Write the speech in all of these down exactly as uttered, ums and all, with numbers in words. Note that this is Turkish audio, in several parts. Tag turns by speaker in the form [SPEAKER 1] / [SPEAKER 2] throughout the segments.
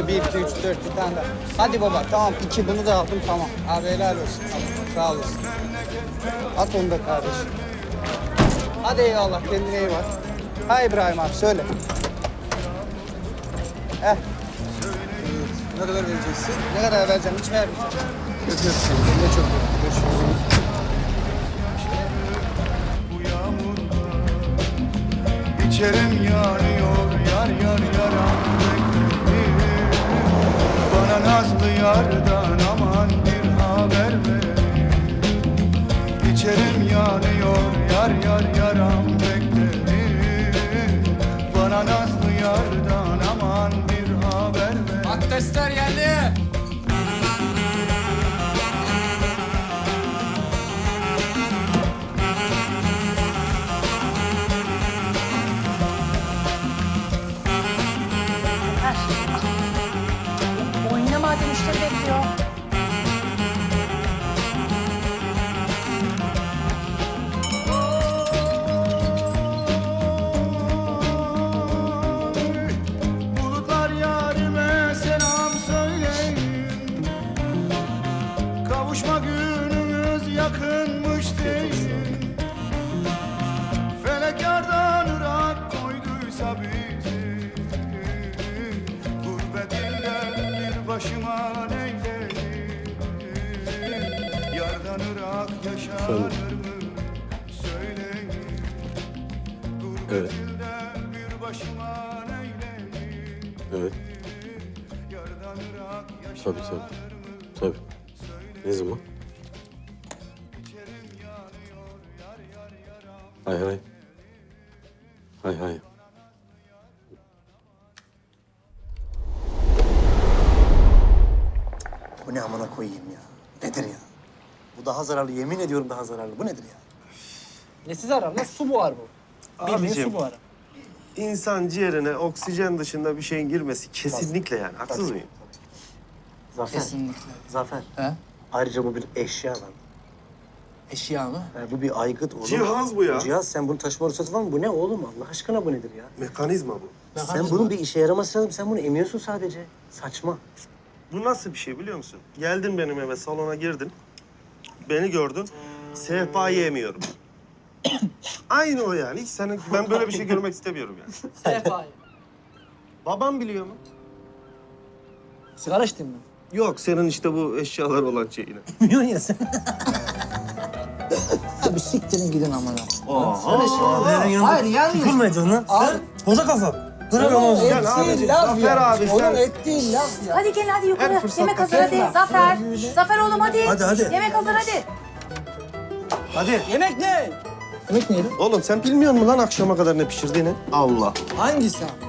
[SPEAKER 1] Şöyle bir, iki, üç, dört bir tane daha. Hadi baba tamam iki bunu da aldım tamam. Abi helal olsun. Tamam, sağ olasın. At onu da kardeşim. Hadi eyvallah kendine iyi bak. Ha İbrahim abi söyle. Heh.
[SPEAKER 2] Ne kadar vereceksin?
[SPEAKER 1] Ne kadar vereceğim hiç vermeyeceğim.
[SPEAKER 2] Öpüyorum seni. Kendine çok iyi. Görüşürüz.
[SPEAKER 3] İçerim yanıyor yar yar yaram beklerim. Bana nazlı yardan aman bir haber verin. İçerim yanıyor yar yar yaram beklerim. Bana nazlı yardan aman bir haber verin.
[SPEAKER 4] Adresler geldi.
[SPEAKER 5] Oynama hadi müşteri bekliyor.
[SPEAKER 3] Bulutlar yarime selam söyleyin. Kavuşma günümüz yakınmış deyin. Felek yardan ırak koyduysa bizi. Gurbet ilden bir başıma neyleyim. Yardan ırak yaşanır mı söyleyin. Gurbet
[SPEAKER 6] Evet.
[SPEAKER 3] ilden bir başıma neyleyim.
[SPEAKER 6] Evet.
[SPEAKER 3] Yardan ırak
[SPEAKER 6] Tabii
[SPEAKER 3] yaşanır
[SPEAKER 6] tabii.
[SPEAKER 3] mı
[SPEAKER 6] Tabii. Ne zaman? Hay hay. Hay hay.
[SPEAKER 7] Bu ne amına koyayım ya? Nedir ya? Bu daha zararlı, yemin ediyorum daha zararlı. Bu nedir ya?
[SPEAKER 8] Nesi zarar lan? Su buhar bu. Bildiğin
[SPEAKER 9] Abicim,
[SPEAKER 8] su buharı.
[SPEAKER 9] İnsan ciğerine oksijen dışında bir şeyin girmesi kesinlikle yani. Haksız mıyım?
[SPEAKER 7] Zafer.
[SPEAKER 8] Kesinlikle.
[SPEAKER 7] Zafer.
[SPEAKER 8] He?
[SPEAKER 7] Ayrıca bu bir eşya lan.
[SPEAKER 8] Eşya mı?
[SPEAKER 7] Yani bu bir aygıt oğlum.
[SPEAKER 9] Cihaz bu ya.
[SPEAKER 7] Cihaz, sen bunu taşıma ruhsatı var mı? Bu ne oğlum? Allah aşkına bu nedir ya?
[SPEAKER 9] Mekanizma bu.
[SPEAKER 7] Sen bunun bir işe yaraması lazım. Sen bunu emiyorsun sadece. Saçma.
[SPEAKER 9] Bu nasıl bir şey biliyor musun? Geldin benim eve, salona girdin. Beni gördün. Sehpayı emiyorum. Aynı o yani. Hiç senin, ben böyle bir şey görmek istemiyorum yani.
[SPEAKER 8] Sehpayı.
[SPEAKER 9] Babam biliyor mu?
[SPEAKER 8] Sigara içtin mi?
[SPEAKER 9] Yok, senin işte bu eşyalar olan şeyini.
[SPEAKER 8] Bilmiyorsun ya sen. Abi siktirin gidin amına. Söyle şimdi. Hayır yanlış.
[SPEAKER 10] Kıkırmayacaksın lan.
[SPEAKER 8] Abi.
[SPEAKER 10] Koca kafa. Dur
[SPEAKER 8] Onun
[SPEAKER 10] onu.
[SPEAKER 9] Gel abicim,
[SPEAKER 8] ettiği laf
[SPEAKER 9] Zafer
[SPEAKER 8] ya.
[SPEAKER 9] abi,
[SPEAKER 8] Onun
[SPEAKER 9] sen-
[SPEAKER 8] ettiği laf ya.
[SPEAKER 5] Hadi gelin hadi yukarı.
[SPEAKER 9] Her fırsatta
[SPEAKER 5] Yemek hazır hadi.
[SPEAKER 8] kesme.
[SPEAKER 5] Zafer. Zafer oğlum hadi.
[SPEAKER 10] Hadi, hadi.
[SPEAKER 5] Yemek hazır hadi.
[SPEAKER 9] Hadi.
[SPEAKER 8] Yemek ne? Yemek neydi?
[SPEAKER 9] Oğlum sen bilmiyor musun lan akşama kadar ne pişirdiğini? Allah.
[SPEAKER 8] Hangisi abi?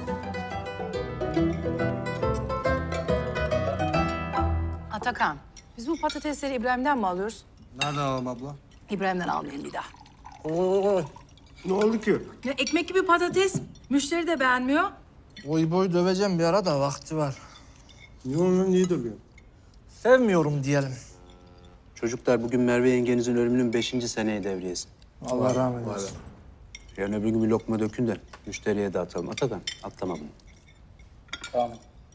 [SPEAKER 5] Atakan, biz bu patatesleri İbrahim'den mi alıyoruz?
[SPEAKER 2] Nereden alalım abla?
[SPEAKER 5] İbrahim'den almayalım bir daha.
[SPEAKER 9] Ne oldu ki?
[SPEAKER 5] Ya ekmek gibi patates. Müşteri de beğenmiyor.
[SPEAKER 10] Boy boy döveceğim bir ara da vakti var.
[SPEAKER 9] Niye onu niye dövüyorsun?
[SPEAKER 10] Sevmiyorum diyelim.
[SPEAKER 6] Çocuklar bugün Merve yengenizin ölümünün beşinci seneye devriyesi.
[SPEAKER 10] Allah rahmet eylesin.
[SPEAKER 6] Yarın öbür gün bir lokma dökün de müşteriye dağıtalım. Atakan atlama bunu.
[SPEAKER 8] Tamam.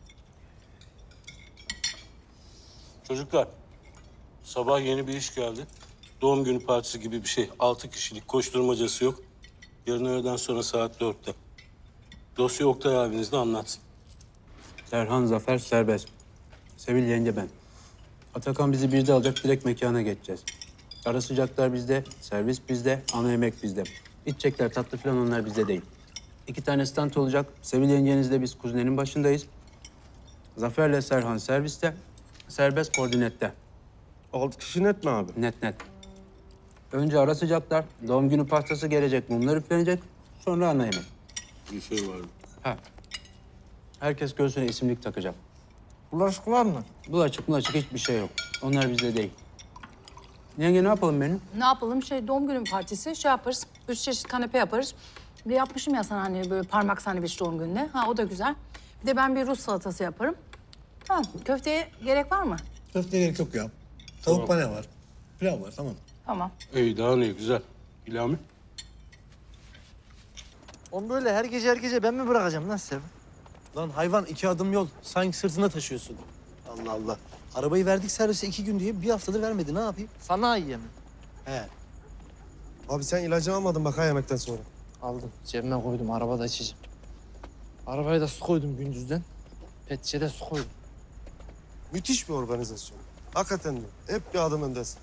[SPEAKER 11] Çocuklar, sabah yeni bir iş geldi. Doğum günü partisi gibi bir şey. Altı kişilik koşturmacası yok. Yarın öğleden sonra saat dörtte. Dosya Oktay abiniz de anlatsın.
[SPEAKER 6] Serhan Zafer serbest. Sevil yenge ben. Atakan bizi birde alacak, direkt mekana geçeceğiz. Ara sıcaklar bizde, servis bizde, ana yemek bizde. İçecekler, tatlı falan onlar bizde değil. İki tane stand olacak. Sevil yengenizle biz kuzinenin başındayız. Zafer'le Serhan serviste, serbest koordinette.
[SPEAKER 9] Altı kişi net mi abi?
[SPEAKER 6] Net net. Önce ara sıcaklar, doğum günü pastası gelecek, mumlar üflenecek. Sonra ana yemek.
[SPEAKER 11] Bir şey var.
[SPEAKER 6] Ha. Herkes göğsüne isimlik takacak.
[SPEAKER 10] Bulaşık var mı?
[SPEAKER 6] Bulaşık bulaşık hiçbir şey yok. Onlar bizde değil. Yenge ne yapalım benim?
[SPEAKER 5] Ne yapalım? Şey doğum günü partisi şey yaparız. Üç çeşit kanepe yaparız. Bir yapmışım ya sana hani böyle parmak sandviç doğum gününe. Ha o da güzel. Bir de ben bir Rus salatası yaparım. Tamam. Köfteye gerek var mı?
[SPEAKER 10] Köfteye gerek yok ya. Tavuk pane var. Pilav var tamam.
[SPEAKER 5] Tamam.
[SPEAKER 11] İyi, daha ne güzel. İlhami?
[SPEAKER 10] Onu böyle her gece her gece ben mi bırakacağım lan Sev?
[SPEAKER 7] Lan hayvan iki adım yol. Sanki sırtında taşıyorsun. Allah Allah. Arabayı verdik servise iki gün diye bir haftadır vermedi. Ne yapayım?
[SPEAKER 8] Sanayiye mi?
[SPEAKER 7] He.
[SPEAKER 9] Abi sen ilacı almadın bak ha yemekten sonra.
[SPEAKER 8] Aldım. Cebime koydum. Arabada içeceğim. Arabaya da su koydum gündüzden. Pet şişede su koydum.
[SPEAKER 9] Müthiş bir organizasyon. Hakikaten diyorum. Hep bir adım öndesin.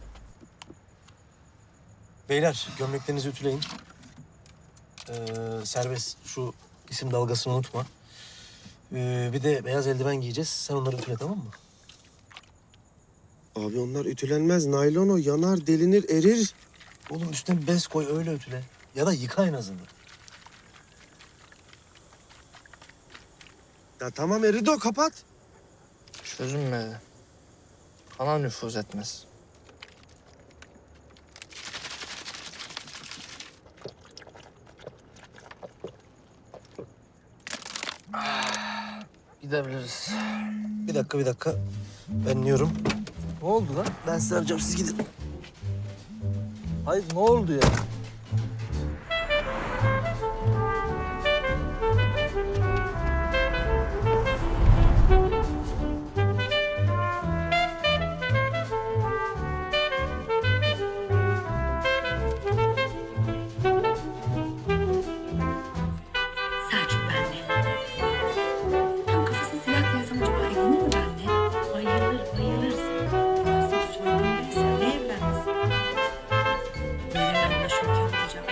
[SPEAKER 7] Beyler gömleklerinizi ütüleyin. Ee, serbest şu isim dalgasını unutma. Ee, bir de beyaz eldiven giyeceğiz. Sen onları ütüle, tamam mı?
[SPEAKER 9] Abi onlar ütülenmez. Naylon o. Yanar, delinir, erir.
[SPEAKER 7] Oğlum üstüne bir bez koy, öyle ütüle. Ya da yıka en azından.
[SPEAKER 9] Ya tamam eridi o. Kapat.
[SPEAKER 8] Çözünmedi. Kana nüfuz etmez. Ah, gidebiliriz.
[SPEAKER 7] Bir dakika, bir dakika. Ben iniyorum.
[SPEAKER 8] Ne oldu lan?
[SPEAKER 7] Ben size arayacağım, siz gidin.
[SPEAKER 8] Hayır ne oldu ya?
[SPEAKER 4] Selçuk bende. Tam kafasına silah koysam acaba evlenir mi benimle? Bayılır, bayılırsın. Aslında sorunluysa ne evlenmez? Benimle anlaşırken olacak.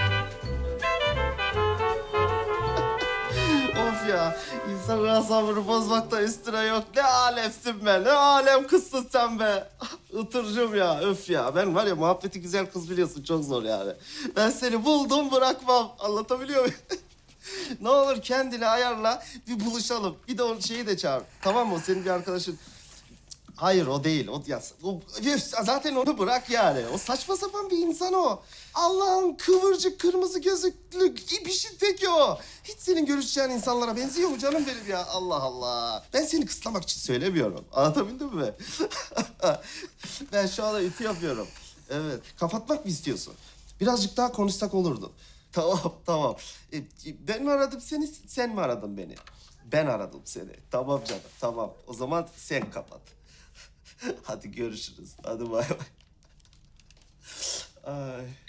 [SPEAKER 9] Of ya. İnsanın asabını bozmakta üstüne yok. Ne alemsin be. Ne alem kızsın sen be. Itırcım ya. Öf ya. Ben var ya muhabbeti güzel kız biliyorsun. Çok zor yani. Ben seni buldum bırakmam. Anlatabiliyor muyum? Ne olur kendini ayarla. Bir buluşalım. Bir de o şeyi de çağır. Tamam mı? O senin bir arkadaşın. Hayır o değil. O, ya, o, zaten onu bırak yani. O saçma sapan bir insan o. Allah'ın kıvırcık kırmızı gözlüklü bir şey teki o. Hiç senin görüşeceğin insanlara benziyor mu canım benim ya? Allah Allah. Ben seni kıslamak için söylemiyorum. Anlatabildim mi? Ben şu anda ütü yapıyorum. Evet. Kapatmak mı istiyorsun? Birazcık daha konuşsak olurdu. Tamam, tamam. E, ben mi aradım seni, sen mi aradın beni? Ben aradım seni. Tamam canım, tamam. O zaman sen kapat. Hadi görüşürüz. Hadi bay bay. Ay.